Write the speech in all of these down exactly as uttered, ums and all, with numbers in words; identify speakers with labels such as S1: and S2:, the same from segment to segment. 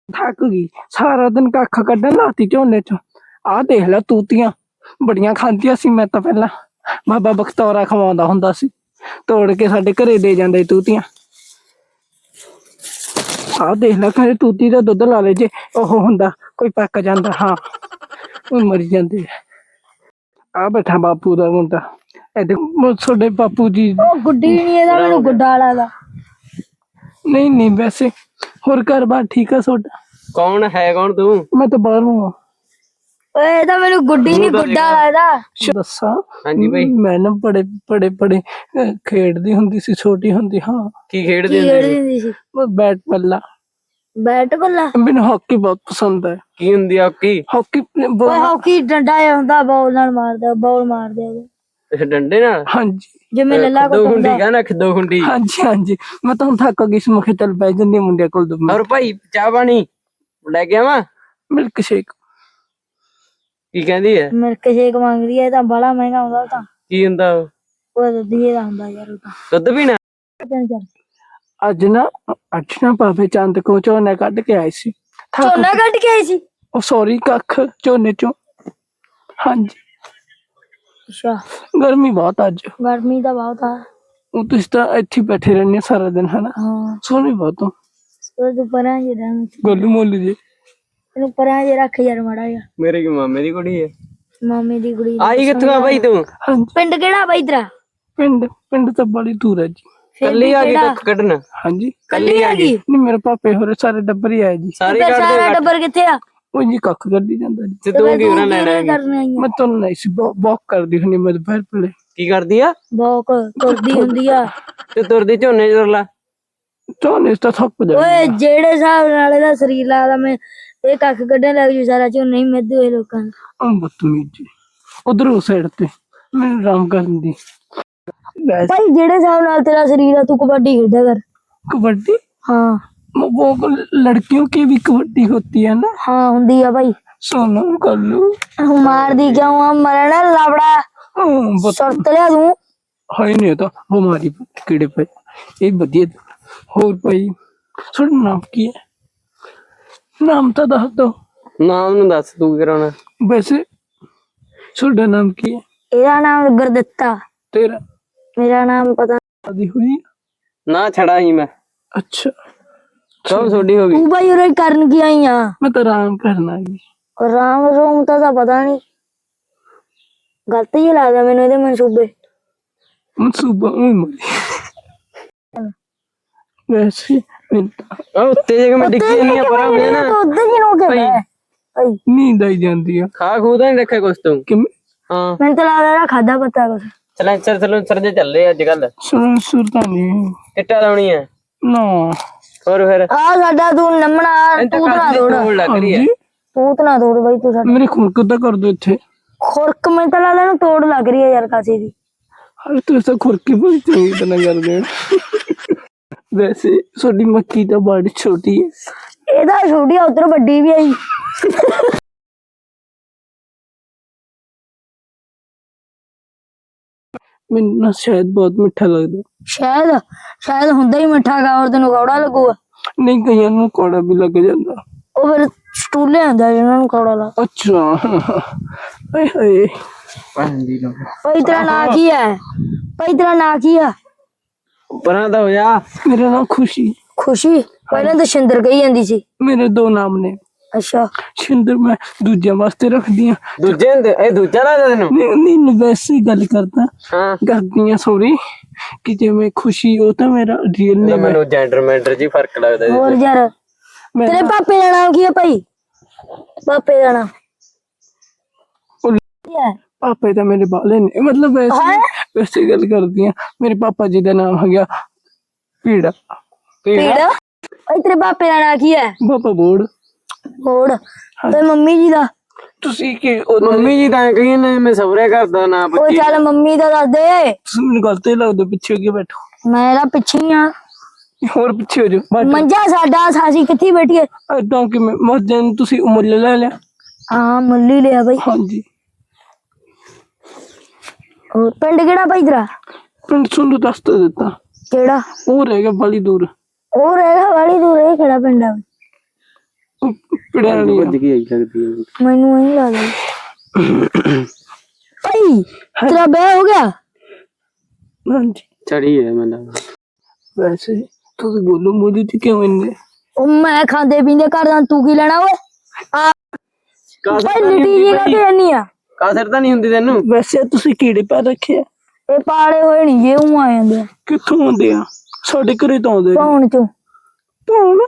S1: ਥੱਕ ਗਈ ਸਾਰਾ ਦਿਨ ਕੱਖ ਕੱਢਣ ਲਾਤੀ ਝੋਨੇ ਚ। ਆਹ ਦੇਖ ਲੈ ਤੂਤੀਆਂ ਬੜੀਆਂ ਖਾਂਦੀਆਂ ਸੀ ਮੈਂ ਤਾਂ ਪਹਿਲਾਂ। ਬਾਬਾ ਬਖਤੌਰਾ ਖਵਾਉਂਦਾ ਹੁੰਦਾ ਸੀ, ਤੋੜ ਕੇ ਸਾਡੇ ਘਰੇ ਦੇ ਜਾਂਦੇ ਤੂਤੀਆਂ। ਆਹ ਦੇਖ ਲੈ ਕਹਿੰਦੇ ਤੂਤੀ ਦਾ ਦੁੱਧ ਲਾ ਲੈ ਜੇ ਉਹ ਹੁੰਦਾ ਕੋਈ ਪੱਕ ਜਾਂਦਾ। ਹਾਂ ਉਹ ਮਰੀ ਜਾਂਦੇ। ਆ ਬੈਠਾ ਬਾਪੂ ਦਾ ਮੁੰਡਾ। ਇਹਦੇ ਤੁਹਾਡੇ ਬਾਪੂ ਜੀ
S2: ਗੁੱਡੀ ਨਹੀਂ ਇਹਦਾ, ਮੈਨੂੰ ਗੁੱਡਾ ਲੱਗਦਾ।
S1: ਨਹੀਂ ਨਹੀਂ ਵੈਸੇ ਹੋਰ ਘਰ ਬਾਰ ਠੀਕ ਆ ਤੁਹਾਡਾ?
S3: ਕੌਣ ਹੈ ਕੌਣ ਤੂੰ?
S1: ਮੈਂ ਤਾਂ ਬਾਹਰੋਂ ਆ।
S2: ਓਏ ਇਹਦਾ ਮੈਨੂੰ ਗੁੱਡੀ ਨਹੀਂ ਗੁੱਡਾ ਲੱਗਦਾ।
S1: ਦੱਸਾਂ
S3: ਹਾਂਜੀ ਬਈ।
S1: ਮੈਂ ਨਾ ਬੜੇ ਬੜੇ ਬੜੇ ਖੇਡਦੀ ਹੁੰਦੀ ਸੀ ਛੋਟੀ ਹੁੰਦੀ। ਹਾਂ
S3: ਕੀ ਖੇਡਦੀ
S2: ਕੀ
S3: ਹੁੰਦੀ ਸੀ?
S2: ਖੇਡਦੀ ਸੀ?
S1: ਬੈਟ ਬੱਲਾ।
S2: ਬੈਟ ਬੱਲਾ?
S1: ਮੈਨੂੰ ਹਾਕੀ ਬਹੁਤ ਪਸੰਦ ਹੈ।
S3: ਕੀ ਹੁੰਦੀ ਆ ਹਾਕੀ?
S1: ਹਾਕੀ
S2: ਓਏ ਹਾਕੀ ਡੰਡਾ ਜਿਹਾ ਹੁੰਦਾ, ਬਾਲ ਨਾਲ ਮਾਰਦਾ, ਬਾਲ ਮਾਰਦੇ ਉਹਦੇ।
S3: ਅੱਛਾ ਡੰਡੇ ਨਾਲ?
S1: ਹਾਂਜੀ
S2: ਜਿਵੇਂ ਲੱਲਾ
S3: ਦੋ ਖੁੰਡੀ ਕਹਿੰਦਾ ਖਿੱਦੋ ਖੁੰਡੀ।
S1: ਹਾਂਜੀ ਹਾਂਜੀ ਮੈਂ ਤਾਂ ਹੁਣ ਥੱਕ ਗਈ ਸੀ, ਮੁਖੇ ਚੱਲ ਪੈ ਜਾਂਦੀ ਮੁੰਡਿਆਂ ਕੋਲ। ਦੋ
S3: ਹੋਰ ਭਾਈ ਚਾਹ ਪਾਣੀ ਲੈ ਕੇ ਆਵਾਂ?
S1: Milk shake.
S3: ਕੀ ਕਹਿੰਦੀ ਹੈ?
S2: ਮਿਲਕ ਸ਼ੇਕ ਮੰਗਦੀ ਹੈ, ਤਾਂ ਬੜਾ ਮਹਿੰਗਾ ਹੁੰਦਾ। ਉਹ ਤਾਂ
S3: ਕੀ ਹੁੰਦਾ ਉਹ?
S2: ਉਹ ਦੁੱਧੀਏ ਦਾ ਹੁੰਦਾ ਯਾਰ। ਉਹ ਤਾਂ
S3: ਦੁੱਧ ਪੀਣਾ?
S2: ਚੱਲ
S1: ਅੱਜ ਨਾ ਅੱਜ ਨਾ ਬਾਬੇ ਚੰਦ ਕੋ ਝੋਨਾ ਕੱਢ ਕੇ ਆਏ ਸੀ।
S2: ਝੋਨਾ ਕੱਢ ਕੇ ਆਈ ਸੀ?
S1: ਉਹ ਸੌਰੀ ਕੱਖ ਝੋਨੇ ਚੋਂ। ਹਾਂਜੀ
S2: ਅੱਛਾ
S1: ਗਰਮੀ ਬਹੁਤ ਅੱਜ।
S2: ਗਰਮੀ ਤਾਂ ਬਹੁਤ ਆ।
S1: ਉਹ ਤੁਸੀਂ ਤਾਂ ਇੱਥੇ ਬੈਠੇ ਰਹਿੰਦੇ ਸਾਰਾ ਦਿਨ ਹਨਾ।
S2: ਹਾਂ
S1: ਸੋਹਣੀ ਬਹੁਤ ਹੋ।
S2: ਉਹ ਤੂੰ ਪਰਾਂ ਜੇ ਰਹਿ,
S1: ਗੋਲੂ ਮੋਲੂ ਜੀ
S2: ਤੈਨੂੰ ਪਰਾਂ ਜੇ ਰੱਖ ਯਾਰ ਮਾੜਾ ਜਿਹਾ।
S3: ਮੇਰੇ ਕੀ ਮਾਮੇ ਦੀ ਕੁੜੀ ਹੈ?
S2: ਮਾਮੇ ਦੀ ਕੁੜੀ।
S3: ਆਈ ਕਿੱਥੋਂ ਆ ਬਾਈ ਤੂੰ?
S1: ਹਾਂਜੀ
S2: ਪਿੰਡ ਕਿਹੜਾ ਬਾਈ ਤੇਰਾ?
S1: ਪਿੰਡ ਪਿੰਡ ਤਾਂ ਬੜੀ ਦੂਰ ਹੈ ਜੀ।
S3: ਕੱਲੀ ਆ ਗਈ ਕੱਖ ਕੱਢਣ?
S1: ਹਾਂਜੀ
S2: ਕੱਲੀ ਆ ਗਈ?
S1: ਨਹੀਂ ਮੇਰੇ ਪਾਪੇ ਹੋਰੇ ਸਾਰੇ ਡੱਬਰ ਹੀ ਆਏ ਜੀ।
S3: ਸਾਰੇ
S2: ਸਾਰਾ
S3: ਕੱਢਦੇ?
S2: ਟੱਬਰ ਕਿੱਥੇ ਆ?
S1: ਉਹ ਜੀ ਕੱਖ ਕੱਢੀ ਜਾਂਦਾ ਜੀ।
S3: ਤੇ ਤੂੰ ਕੀ ਉਹਨਾਂ ਲੈਣਾ ਹੈ?
S1: ਮੈਂ ਤੁਹਾਨੂੰ ਨਹੀਂ ਸੀ ਵਾਕ ਕਰਦੀ ਹੁੰਦੀ ਮੈਂ ਦੁਪਹਿਰ ਵੇਲੇ।
S3: ਕੀ ਕਰਦੀ ਆ?
S2: ਬੋਕ ਤੁਰਦੀ ਹੁੰਦੀ ਆ।
S3: ਤੇ ਤੁਰਦੀ ਝੋਨੇ ਤੁਰ ਲਾ।
S1: ਝੋਨੇ ਤਾਂ ਥੱਕ ਜਾ।
S2: ਓਏ ਜਿਹੜੇ ਹਿਸਾਬ ਨਾਲ ਇਹਦਾ ਸਰੀਰ ਲੱਗਦਾ, ਮੈਂ ਇਹ ਕੱਖ ਕੱਢਣ ਲੱਗ ਜੂ ਸਾਰਾ ਝੋਨਾ ਹੀ ਮਿੱਧ ਹੋਏ ਲੋਕਾਂ ਨੂੰ।
S1: ਬਦਤਮੀਜੀ ਉਧਰ ਉਸ ਸਾਈਡ ਤੇ ਮੈਨੂੰ ਆਰਾਮ ਕਰਨ ਦੀ।
S2: ਭਾਈ ਜਿਹੜੇ ਹਿਸਾਬ ਨਾਲ ਤੇਰਾ ਸਰੀਰ ਆ, ਤੂੰ ਕਬੱਡੀ ਖੇਡਿਆ ਕਰ।
S1: कबड्डी?
S2: हाँ
S1: वो लड़कियों की भी कबड्डी होती है ना?
S2: हाँ होंदी है भाई।
S1: सोनू कल्लू
S2: मार दी क्यों? हम मरना लावड़ा सुरत लिया तू
S1: है नहीं होता वो मारी कीड़े पे ये बढ़िया। और भाई सुन नाम की है? नाम तो दस दो।
S3: ਨਾਮ ਨੂੰ ਦੱਸ ਤੂੰ ਕੀ ਕਰਾਉਣਾ?
S1: वैसे सुन नाम की है?
S2: ਇਹਦਾ ਨਾਮ ਗੁਰਦਿੱਤਾ।
S1: तेरा?
S2: ਮੇਰਾ ਨਾਮ ਪਤਾ।
S1: शादी हुई?
S3: ਨਾ ਛੜਾ ਹੀ ਮੈਂ।
S1: अच्छा
S3: ਸਭ ਛੋਟੀ ਹੋ ਗਈ।
S2: ਤੂੰ ਭਾਈ ਉਰੇ ਕਰਨ ਕੀ ਆਈ ਆ?
S1: मैं तो आराम करना है।
S2: ਰਾਮ ਰੋਮ ਤਾਂ ਤਾਂ ਪਤਾ ਨਹੀਂ, ਗਲਤ ਹੀ ਲੱਗਦਾ ਮੈਨੂੰ ਇਹਦੇ ਮਨਸੂਬੇ।
S1: मनसूबा मरी वैसे
S3: ਆ ਉੱਤੇ ਜੇ ਮੈਂ ਡਿੱਗੀ ਨਹੀਂ ਆ ਪਰ ਮੈਂ ਨਾ
S2: ਉਧਰ ਹੀ ਨੋ ਕੇ ਬੈ ਭਾਈ।
S1: नींद आई जाती है
S3: ਖਾ ਖੂ ਤਾਂ ਨਹੀਂ ਰੱਖਿਆ ਕੁਛ ਤੂੰ?
S1: कि
S3: ਹਾਂ
S2: ਮੈਨੂੰ ਤਾਂ ਲੱਗਦਾ ਇਹਦਾ ਖਾਦਾ ਪਤਾ ਕੁਛ।
S3: ਚਲ ਸਰ ਚਲੋ ਸਰ ਜੇ ਚੱਲੇ ਅੱਜ ਕੱਲ
S1: सुन सुरता नहीं
S3: ਕਿੱਟਾ ਲਾਉਣੀ ਹੈ?
S1: ना
S3: ਹੋਰ ਫਿਰ
S2: ਆ ਸਾਡਾ ਤੂੰ ਨੰਮਣਾ ਤੂੰ ਤਾਂ ਤੋੜ,
S3: ਤੋੜ ਲੱਗ ਰਹੀ ਹੈ।
S1: जी
S2: ਤੂੰ ਤਾਂ ਤੋੜ ਬਾਈ ਤੂੰ ਸਾਡਾ।
S1: मेरे खुरक तो कर दो इतने।
S2: ਖੁਰਕ ਮੈਨੂੰ ਤਾਂ ਲੱਗਦਾ ਇਹਨੂੰ ਤੋੜ ਲੱਗ ਰਹੀ ਹੈ ਯਾਰ ਕਾਸੀ ਦੀ।
S1: अरे तो ऐसा खुरकी बड़ी चंगी तरह कर दे। वैसे छोटी मक्की तो बड़ी छोटी है।
S2: ਇਹਦਾ ਛੋਟੀ ਆ, ਉਧਰ ਵੱਡੀ ਵੀ ਆਈ।
S1: मैंने ना शायद बहुत मीठा लगता।
S2: ਸ਼ਾਇਦ ਸ਼ਾਇਦ ਹੁੰਦਾ ਹੀ ਮਿੱਠਾ ਗਾ, ਔਰ ਤੈਨੂੰ ਕੌੜਾ ਲੱਗੂਗਾ।
S1: नहीं कहीं ना कौड़ा भी लग जाता।
S2: ਉਹ ਫਿਰ ਸਟੂਲੇ ਆਂਦਾ ਜਿਹਨਾਂ ਨੂੰ ਕੌੜਾ ਲਾ।
S1: अच्छा हाय हाय
S3: ਪੰਦੀ ਲੋ
S2: ਭਾਈ ਤੇਰਾ ਨਾਂ ਕੀ ਹੈ? ਭਾਈ ਤੇਰਾ ਨਾਂ ਕੀ ਆ?
S3: ਪਰਾਂ ਦਾ ਹੋ ਜਾ।
S1: मेरा नाम खुशी।
S2: ਖੁਸ਼ੀ? ਪਹਿਲਾਂ ਤਾਂ ਸ਼ਿੰਦਰ ਕਹੀ ਜਾਂਦੀ ਸੀ।
S1: मेरे दो नाम ने।
S2: ਅੱਛਾ
S1: शिंदर मैं दूजे वास्ते रख दिया।
S3: ਦੂਜੇ ਹੁੰਦੇ ਇਹ ਦੂਜਾ ਲੱਗਦਾ ਤੈਨੂੰ?
S1: नहीं नहीं वैसे ही गल करता
S3: ਹਾਂ
S1: कर दिया सॉरी कि जे मैं खुशी हो तो मेरा रियल नेम है।
S3: ਮੈਨੂੰ ਜੈਂਡਰ ਮੈਂਡਰ ਜੀ ਫਰਕ ਲੱਗਦਾ ਜੀ।
S2: ਹੋਰ ਯਾਰ
S1: मैं
S2: ਤੇਰੇ ਪਾਪੇ ਦਾ ਨਾਮ ਕੀ ਹੈ ਭਾਈ? ਪਾਪੇ ਦਾ ਨਾਮ ਕੀ ਹੈ?
S1: पापा तो मेरे बाले ने मतलब वैसे वैसे गल कर दिया। मेरे पापा जी का नाम है गया पीड़ा।
S2: ਪੀੜਾ? ਭਾਈ ਤੇਰੇ ਪਾਪੇ ਦਾ ਨਾਮ ਕੀ ਹੈ?
S1: पापा बोर्ड।
S2: ਹੋਰ ਤੇ ਮੰਮੀ ਜੀ ਦਾ?
S1: ਤੁਸੀਂ ਕਿ
S3: ਮੰਮੀ ਜੀ ਤਾਂ ਕਹੀ ਨੇ ਮੈਂ ਸਵਰੇ ਕਰਦਾ ਨਾ
S2: ਉਹ
S3: ਬੱਚੀ।
S2: ਚੱਲ ਮੰਮੀ ਦਾ ਦੱਸ ਦੇ।
S1: ਤੁਸੀਂ ਮੈਨੂੰ ਗਲਤ ਹੀ ਲੱਗਦਾ ਪਿੱਛੇ ਅੱਗੇ ਬੈਠੋ।
S2: ਮੈਂ ਇਹਦਾ ਪਿੱਛੇ ਹੀ ਆ।
S1: ਹੋਰ ਪਿੱਛੇ ਹੋ ਜਾਓ।
S2: ਮੰਜਾ ਸਾਡਾ ਸਾਸੀ ਕਿੱਥੇ ਬੈਠੀਏ?
S1: ਏਦਾਂ ਕਿ ਮੈਂ ਮਸਜਿਦ ਨੂੰ ਤੁਸੀਂ ਮੁੱਲ ਲੈ ਲਿਆ।
S2: ਹਾਂ ਮੁੱਲੀ ਲਿਆ ਭਾਈ।
S1: ਹਾਂਜੀ
S2: ਹੋਰ ਪਿੰਡ ਕਿਹੜਾ ਭਾਈ ਤੇਰਾ?
S1: ਪਿੰਡ ਤੁਹਾਨੂੰ ਦੱਸ ਤਾਂ ਦਿੱਤਾ।
S2: ਕਿਹੜਾ?
S1: ਉਹ ਰਹਿ ਗਿਆ ਬੜੀ ਦੂਰ।
S2: ਉਹ ਰਹੇਗਾ ਵਾਲੀ ਦੂਰ। ਇਹ ਕਿਹੜਾ ਪਿੰਡ ਆ?
S1: ਪਿੜਿਆਂ ਵਾਲੀ
S3: ਭੱਜ ਕੇ ਆਈ ਲੱਗਦੀ ਹੈ
S2: ਮੈਨੂੰ ਨਹੀਂ ਲੱਗਦਾ ਭਾਈ ਤੇਰਾ ਵਿਆਹ ਹੋ ਗਿਆ?
S1: ਹਾਂਜੀ
S3: ਚੜੀ ਹੈ ਮੈਨੂੰ
S1: ਵੈਸੇ ਤੁਸੀਂ ਗੋਲੂ ਮੋਲੂ ਚ ਕਿਉਂ ਇੰਨੇ
S2: ਉਹ ਮੈਂ ਖਾਂਦੇ ਪੀਂਦੇ ਕਰਦਾ, ਤੂੰ ਕੀ ਲੈਣਾ ਓਏ? ਆ ਭਾਈ ਲਿਟੀ ਜੀ ਕਾਹਤੇ ਇੰਨੀ ਆ?
S3: ਕਾਸਰ ਤਾਂ ਨਹੀਂ ਹੁੰਦੀ ਤੈਨੂੰ?
S1: ਵੈਸੇ ਤੁਸੀਂ ਕੀੜੇ ਪਾ ਰੱਖੇ ਆ?
S2: ਇਹ ਪਾਲੇ ਹੋਏ ਨਹੀਂ ਜੇ ਉਹ ਆ ਜਾਂਦੇ ਆ
S1: ਕਿੱਥੋਂ ਆਉਂਦੇ ਆ? ਸਾਡੇ ਘਰੇ ਤਾਂ ਆਉਂਦੇ ਨੇ।
S2: ਕੌਣ ਚੋਂ?
S1: ਭੌਣ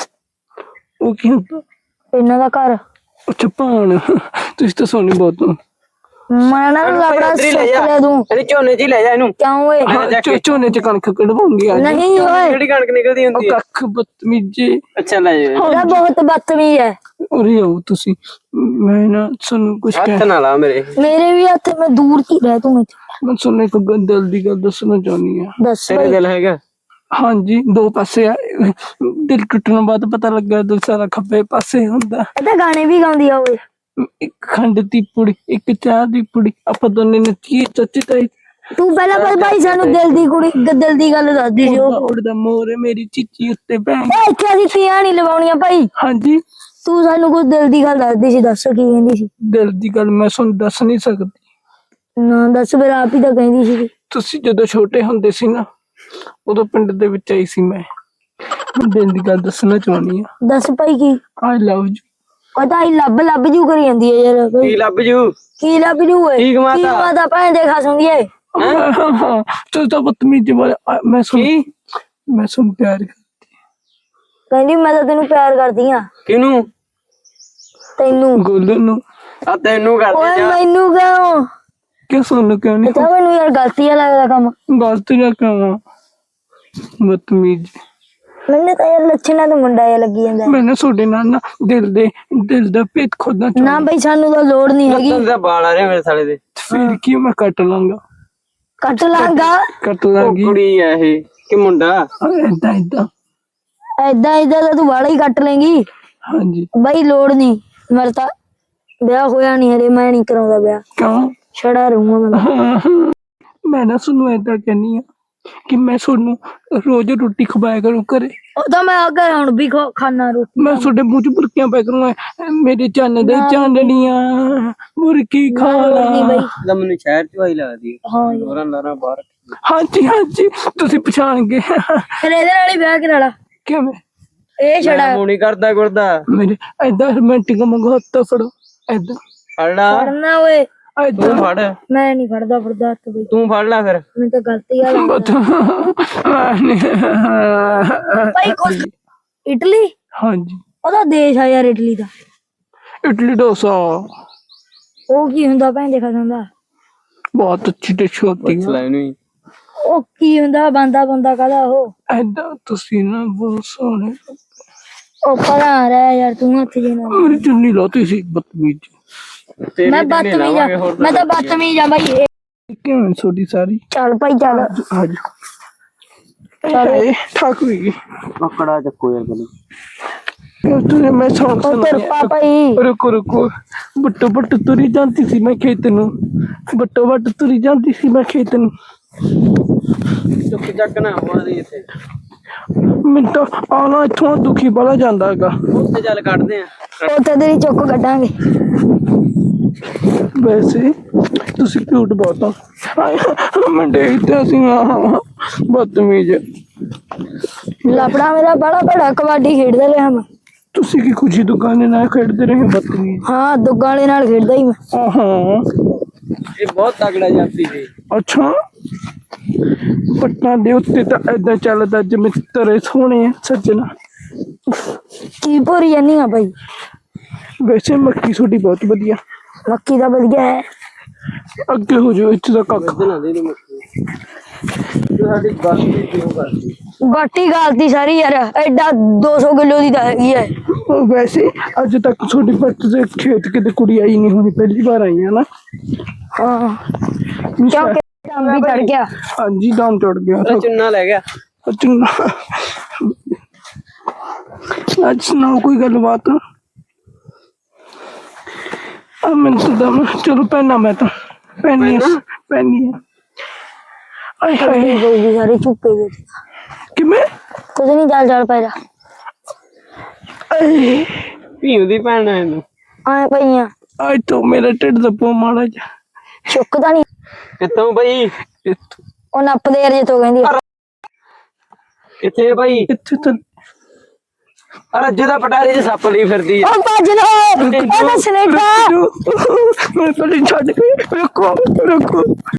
S1: ਉਹ ਕੀ ਹੁੰਦਾ?
S2: ਇਹਨਾਂ ਦਾ ਘਰ
S1: ਅੱਛਾ ਭੌਣ, ਤੁਸੀਂ ਤਾਂ ਸੋਨੀ ਬਹੁਤ ਹੋ।
S2: ਮੈਂ ਨਾ ਲਬੜਾ ਸੁੱਕ ਲੈ ਦੂੰ
S3: ਇਹਨੇ ਝੋਨੇ 'ਚ ਹੀ ਲੈ ਜਾ ਇਹਨੂੰ।
S2: ਕਿਉਂ ਓਏ?
S1: ਹਾਂ, ਝੋ- ਝੋਨੇ ਚ ਕਣਕ ਕਢਵਾਉਂਗੀ ਅੱਜ।
S2: ਨਹੀਂ ਓਏ
S3: ਜਿਹੜੀ ਕਣਕ ਨਿਕਲਦੀ
S1: ਉਹ
S3: ਹੁੰਦੀ ਹੈ।
S1: ਕੱਖ ਬਦਤਮੀਜੇ।
S3: ਅੱਛਾ ਲੈ ਜਾ
S2: ਇਹਦਾ ਬਹੁਤ ਬਦਤਮੀਜ਼ ਹੈ।
S1: ਉਰੇ ਆਓ ਤੁਸੀਂ, ਮੈਂ ਨਾ ਤੁਹਾਨੂੰ ਕੁਛ ਕਹਿ
S3: ਹੱਥ ਨਾ ਲਾ ਮੇਰੇ।
S2: ਮੇਰੇ ਵੀ ਹੱਥ ਮੈਂ ਦੂਰ ਕੀ ਰਹਿ ਤੂੰ ਇੱਥੇ।
S1: ਮੈਂ ਤੁਹਾਨੂੰ ਇੱਕ ਗੱਲ ਦਿਲ ਦੀ ਗੱਲ ਦੱਸਣਾ ਚਾਹੁੰਦੀ ਆ।
S2: ਦੱਸ
S3: ਤੇਰੇ
S2: ਬਈ।
S3: ਦਿਲ ਹੈਗਾ?
S1: ਹਾਂਜੀ, ਦੋ ਪਾਸੇ ਆ। ਦਿਲ ਟੁੱਟਣ ਬਾਅਦ ਪਤਾ ਲੱਗਾ ਦਿਲ ਸਾਰਾ ਖੱਬੇ ਪਾਸੇ ਹੁੰਦਾ।
S2: ਇਹ ਤਾਂ ਗਾਣੇ ਵੀ ਗਾਉਂਦੀ ਆ ਓਏ।
S1: ਇੱਕ ਖੰਡ ਦੀ ਪੁੜੀ, ਇੱਕ ਚਾਹ ਦੀ ਪੁੜੀ, ਆਪਾਂ ਦੋਨੇ ਨੱਚੀਏ ਚੱਚੀ ਤਾਈ।
S2: ਤੂੰ ਪਹਿਲਾਂ ਪਰ ਭਾਈ ਸਾਨੂੰ ਦਿਲ ਦੀ ਕੁੜੀ ਦਿਲ ਦੀ ਗੱਲ ਦੱਸਦੀ ਸੀ
S1: ਉੜਦਾ
S2: ਉਹ।
S1: ਉੜਦਾ ਮੋਰ ਮੇਰੀ ਚੀਚੀ ਉੱਤੇ ਭੈਣ।
S2: ਓਏ ਇੱਥੇ ਅਸੀਂ ਤੀਆਂ ਨਹੀਂ ਲਵਾਉਣੀਆਂ ਭਾਈ।
S1: ਹਾਂਜੀ,
S2: ਤੂੰ ਸਾਨੂੰ ਕੁਝ ਦਿਲ ਦੀ ਗੱਲ ਦੱਸਦੀ ਸੀ, ਦੱਸ ਕੀ ਕਹਿੰਦੀ ਸੀ?
S1: ਦਿਲ ਦੀ ਗੱਲ ਮੈਂ ਤੁਹਾਨੂੰ ਦੱਸ ਨਹੀਂ ਸਕਦੀ।
S2: ਨਾ ਦੱਸ ਫਿਰ ਆਪ ਹੀ ਤਾਂ ਕਹਿੰਦੀ ਸੀ।
S1: ਤੁਸੀਂ ਜਦੋਂ ਛੋਟੇ ਹੁੰਦੇ ਸੀ ਨਾ, ਉਦੋਂ ਪਿੰਡ ਦੇ ਵਿੱਚ ਆਈ ਸੀ ਮੈਂ। ਮੈਂ ਦਿਲ ਦੀ ਗੱਲ ਦੱਸਣਾ ਚਾਹੁੰਦੀ ਆ।
S2: ਦੱਸ ਭਾਈ ਕੀ?
S1: ਆਈ ਲਵ ਯੂ।
S2: ਪਤਾ ਹੀ ਲੱਭ ਲੱਭ ਜੂ ਕਰੀ ਜਾਂਦੀ ਹੈ ਯਾਰ ਭਾਈ।
S3: ਕੀ ਲੱਭ ਜੂ?
S2: ਕੀ ਲੱਭ ਜੂ ਓਏ?
S3: ਠੀਕ ਮਾਤਾ।
S2: ਕੀ ਮਾਤਾ ਭੈਣ ਦੇ ਖਾਸੂਗੀ ਏ।
S1: ਤੂੰ ਤਾਂ ਬਦਤਮੀਜ਼ ਵਾਲਾ। ਆ, ਮੈਂ ਸੁਣ
S3: ਕੀ?
S1: ਮੈਂ ਸੁਣ ਪਿਆਰ ਕਰ।
S2: ਕਹਿੰਦੀ ਮੈਂ ਤਾਂ ਤੈਨੂੰ ਪਿਆਰ ਕਰਦੀ ਆ।
S3: ਕਿਹਨੂੰ?
S2: ਤੈਨੂੰ।
S1: ਗੋਲੂ ਨੂੰ।
S3: ਆ ਤੈਨੂੰ ਕਰਦੇ
S2: ਓਏ
S3: ਜਾ।
S2: ਮੈਨੂੰ ਕਿਉਂ?
S1: ਕਿਉਂ ਸੁਣ ਕਿਉਂ ਨਹੀਂ?
S2: ਤਾਂ ਮੈਨੂੰ ਯਾਰ ਗਲਤੀ ਆ ਲੱਗਦਾ ਕੰਮ।
S1: ਗਲਤ ਨਾ ਕਰਾਂ, ਬਦਤਮੀਜ਼।
S2: ਮੈਨੂੰ ਤਾਂ ਯਾਰ ਲੱਛਣਾਂ ਤੋਂ ਮੁੰਡਾ ਜਿਹਾ ਲੱਗੀ ਜਾਂਦਾ।
S1: ਮੈਂ ਨਾ ਤੁਹਾਡੇ ਨਾਲ ਨਾ ਦਿਲ ਦੇ ਦਿਲ ਦਾ ਭੇਦ ਖੋਦਣਾ
S2: ਨਾ
S1: ਚਾਹੁੰਦਾ।
S2: ਬਈ ਸਾਨੂੰ ਤਾਂ ਲੋੜ ਨਹੀਂ ਹੈਗੀ।
S3: ਤੈਨੂੰ ਤਾਂ ਵਾਲ ਆ ਰਹੇ ਮੇਰੇ ਸਾਲੇ ਦੇ।
S1: ਫਿਰ ਕੀ ਮੈਂ ਕੱਟ ਲਾਂਗਾ?
S2: ਕੱਟ ਲਾਂਗਾ।
S1: ਕੱਟ
S3: ਉਹ
S1: ਲਾਂਗੀ।
S3: ਕੁੜੀ ਆ ਇਹ ਕਿ ਮੁੰਡਾ?
S1: ਏਦਾਂ ਏਦਾਂ।
S2: ਐਦਾਂ ਐਦਾਂ ਤਾਂ ਤੂੰ ਵਾਲਾ ਹੀ ਕੱਟ ਲੇਂਗੀ।
S1: ਹਾਂਜੀ।
S2: ਬਈ ਲੋੜ ਨਹੀਂ। ਮੇਰਾ ਤਾਂ ਵਿਆਹ ਹੋਇਆ ਨਹੀਂ ਹਰੇ, ਮੈਂ ਨਹੀਂ ਕਰਾਉਂਦਾ ਵਿਆਹ।
S1: ਕਿਉਂ?
S2: ਛੜਾ ਰਹੂੰਗਾ ਮੈਂ।
S1: ਮੈਂ ਨਾ ਤੁਹਾਨੂੰ ਏਦਾਂ ਕਹਿੰਨੀ ਆ ਕਿ ਮੈਂ ਤੁਹਾਨੂੰ ਰੋਜ਼ ਰੋਟੀ ਖਵਾਇਆ ਕਰੂੰ ਘਰੇ।
S2: ਉਹ ਤਾਂ ਮੈਂ ਅੱਗੇ ਹੁਣ ਵੀ ਖਾ- ਖਾਣਾ ਰੋਟੀ।
S1: ਮੈਂ ਤੁਹਾਡੇ ਮੂੰਹ ਚ ਬੁਰਕੀਆਂ ਪੈ ਕਰੂੰਗਾ। ਮੇਰੇ ਚੰਨ ਦੇ ਚਾਂਦੜੀਆਂ ਬੁਰਕੀ
S2: ਨਹੀਂ
S1: ਖਾਣਾ।
S2: ਬਈ।
S3: ਤਾਂ ਮੈਨੂੰ ਸ਼ਹਿਰ 'ਚ ਵਾਈ ਲੱਗਦੀ ਹੈ।
S2: ਹਾਂ ਯਾਰ।
S3: ਹੋਰਾਂ ਲਾਰਾਂ ਬਾਹਰ।
S1: ਹਾਂਜੀ ਹਾਂਜੀ, ਤੁਸੀਂ ਪਛਾਣ ਗਏ।
S2: ਫਿਰ ਇਹਦੇ ਨਾਲ ਹੀ ਵਿਆਹ ਕਰਾ ਲਾ।
S1: ਕਿਵੇਂ?
S2: ਇਹ ਛੜਾ
S3: ਮੂੰਹ ਨਹੀਂ ਕਰਦਾ ਗੁਰਦਾ।
S1: ਮੇਰੇ ਏਦਾਂ ਰੋਮਾਂਟਿਕ ਮੰਗੋ ਹੱਥ ਫੜੋ। ਏਦਾਂ
S3: ਫੜ ਲਾ।
S2: ਫੜਨਾ ਓਏ।
S1: ਏਦਾਂ
S3: ਤੂੰ ਫੜ।
S2: ਮੈਂ ਨਹੀਂ ਫੜਦਾ ਫੜਦਾ ਹੱਥ ਬਈ।
S3: ਤੂੰ ਫੜ ਲੈ ਫਿਰ।
S2: ਮੈਨੂੰ ਤਾਂ ਗਲਤੀ ਆ ਲੱਗਦਾ। ਭਾਈ ਕੁਛ ਇਟਲੀ
S1: ਹਾਂਜੀ,
S2: ਉਹਦਾ ਦੇਸ਼ ਆ ਯਾਰ ਇਟਲੀ ਦਾ।
S1: ਇਡਲੀ ਡੋਸਾ
S2: ਉਹ ਕੀ ਹੁੰਦਾ ਭੈਣ ਦੇ ਖਾਂਦਾ?
S1: ਬਹੁਤ ਅੱਛੀ ਡਿਸ਼ ਹੋਤੀ
S3: ਪੁੱਛ
S1: ਹੈ।
S3: ਲੈ ਇਹਨੂੰ ਹੀ।
S2: ਉਹ ਕੀ ਹੁੰਦਾ? ਬੰਦਾ ਬੰਦਾ ਕਾਹਦਾ ਉਹ?
S1: ਏਦਾਂ ਤੁਸੀਂ ਨਾ ਬਹੁਤ ਸੋਹਣੇ।
S2: ਉਹ ਪਰਾਂ ਰਹਿ ਯਾਰ ਤੂੰ ਹੱਥ ਜੇ ਨਾ।
S1: ਮੇਰੀ ਚੁੰਨੀ ਲਾਤੀ ਸੀ ਬਦਤਮੀਜ਼।
S3: ਤੇਰੀ
S2: ਮੈਂ
S3: ਤਾਂ ਨਹੀਂ
S2: ਬਦਤਮੀਜ਼ ਆ।
S3: ਲਾਵਾਂਗੇ ਹੋਰ
S2: ਮੈਂ ਤਾਂ ਬਦਤਮੀਜ਼ ਆ ਬਾਈ। ਇਹ
S1: ਕਿਵੇਂ ਛੋਟੀ ਸਾਰੀ?
S2: ਚੱਲ ਭਾਈ ਚੱਲ।
S1: ਅੱਜ ਅਰੇ ਠਾਕ ਹੋਈ।
S3: ਪਕੜਾ ਚੱਕੋ ਯਾਰ ਮੈਨੂੰ।
S1: ਤੂੰ ਮੈਂ ਸੌਂ
S2: ਉਹ ਤੇਰ ਪਾ ਭਾਈ।
S1: ਰੁਕੋ ਰੁਕੋ। ਬੱਟੋ ਬੱਟ ਤੁਰੀ ਜਾਂਦੀ ਸੀ ਮੈਂ ਖੇਤ ਨੂੰ। ਬੱਟੋ ਬੱਟ ਤੁਰੀ ਜਾਂਦੀ ਸੀ ਮੈਂ ਖੇਤ ਨੂੰ।
S3: ਚੁੱਕ ਚੱਕ ਨਾ ਮਾਰੀ ਇੱਥੇ।
S1: ਮੈਨੂੰ ਤਾਂ ਆਉਣਾ ਇੱਥੋਂ ਦੁਖੀ ਬੜਾ ਜਾਂਦਾ ਹੈਗਾ।
S3: ਉੱਥੇ ਚੱਲ ਕੱਢਦੇ ਆ।
S2: ਉਹ ਤੇ ਤੇਰੀ ਚੁੱਕ ਕੱਢਾਂਗੇ।
S1: ਵੈਸੇ ਤੁਸੀਂ ਕਿਊਟ ਬਹੁਤ ਹੋ। ਹਾਏ, ਮੈਂ ਦੇਖਦਾ ਸੀ ਬਦਤਮੀਜ਼।
S2: ਲਪੜਾ ਮੇਰਾ ਬੜਾ ਬੜਾ ਕਬੱਡੀ ਖੇਡਦਾ ਰਿਹਾ ਮੈਂ।
S1: ਤੁਸੀਂ ਕੀ ਖੁਸ਼ੀ ਦੁਕਾਨੇ ਨਾਲ ਖੇਡਦੇ ਰਹੇ ਬਦਤਮੀਜ਼।
S2: ਹਾਂ ਦੁੱਗਾ ਵਾਲੇ ਨਾਲ ਖੇਡਦਾ ਹੀ ਮੈਂ।
S1: ਹਾਂ
S3: ਇਹ ਬਹੁਤ ਤਗੜਾ ਜਾਂਦੀ ਸੀ।
S1: ਅੱਛਾ, ਪੱਟਾਂ ਦੇ ਉੱਤੇ ਤਾਂ ਏਦਾਂ ਚੱਲਦਾ ਜਿਵੇਂ ਤਰੇ ਸੋਹਣੇ ਆ ਸੱਜਣਾ।
S2: ਕੀ ਭੋਰੀ ਜਾਨੀ ਆ ਭਾਈ?
S1: ਵੈਸੇ ਮੱਕੀ ਤੁਹਾਡੀ ਬਹੁਤ ਵਧੀਆ।
S2: ਮੱਕੀ ਦਾ ਵਧੀਆ ਹੈ।
S1: ਅੱਗੇ ਹੋ ਜਾਓ, ਇੱਥੇ ਦਾ ਕੱਖ।
S3: ਬਣਾ ਦੇ ਨੂੰ ਮੱਕੀ। ਤੂੰ ਸਾਡੀ ਗੱਲ ਵੀ ਕਿਉਂ ਕਰਦੀ?
S2: ਬਾਟੀ ਗਾਲਤੀ ਸਾਰੀ ਯਾਰ। ਐਡਾ ਦੋ ਸੌ ਕਿਲੋ ਦੀ ਤਾਂ ਹੈਗੀ ਹੈ।
S1: ਵੈਸੇ ਅੱਜ ਤੱਕ ਤੁਹਾਡੀ ਪੱਟ ਦੇ ਖੇਤ ਕਿਤੇ ਕੁੜੀ ਆਈ ਨਹੀਂ ਹੋਣੀ, ਪਹਿਲੀ ਵਾਰ ਆਈ ਹੈ ਨਾ।
S2: ਹਾਂ ਕਿਉਂਕਿ ਦਮ ਵੀ ਚੜ ਗਿਆ।
S1: ਹਾਂਜੀ, ਦਮ ਚੜ ਗਿਆ।
S3: ਉਹਦਾ ਚੁੰਨਾ ਲੈ ਗਿਆ।
S1: ਚੰਗਾ, ਅੱਜ ਸੁਣਾਓ ਕੋਈ ਗੱਲਬਾਤ। ਆ ਮੈਨੂੰ ਤਾਂ ਦਮ। ਚਲੋ ਪਹਿਨਾ ਮੈਂ ਤਾਂ ਪਹਿਨੀ ਪਹਿਨੀ ਆ। ਆਏ ਹਾਏ,
S2: ਗਈ ਸਾਰੀ ਚੁੱਪੇ ਗਈ।
S1: ਕਿਵੇਂ?
S2: ਕੁਝ ਨਹੀਂ ਚੱਲ ਚੱਲ ਪੈ ਜਾ।
S1: ਆਏ
S3: ਭੀਮ ਦੀ ਭੈਣ ਹੈ ਤੂੰ।
S2: ਆਏ ਪਈਆਂ
S1: ਅੱਜ ਤੋਂ ਮੇਰਾ ਢਿੱਡ ਦੱਬੋ ਮਾੜਾ ਜਿਹਾ
S2: ਚੁੱਕਦਾ ਨਹੀਂ।
S3: ਕਿੱਥੋਂ ਬਈ?
S1: ਇੱਥੋਂ-
S2: ਉਹ ਨੱਪਦੇ ਅਰ ਜੇ ਤੋ ਕਹਿੰਦੀ
S3: ਕਿੱਥੇ ਬਈ?
S1: ਇੱਥੇ ਤਾਂ
S3: ਅਰੇ ਅੱਜ ਦਾ ਪਟਾਰੀ ਚ ਸੱਪ ਲਈ ਫਿਰਦੀ ਆ।
S2: ਉਹ ਭੱਜ ਲੋ ਉਹ ਤਾਂ ਸਨੇਕਾ
S1: ਮੈਂ ਪਹਿਲੇ ਛੱਡ ਕੇ ਰੁਕੋ ਰੁਕੋ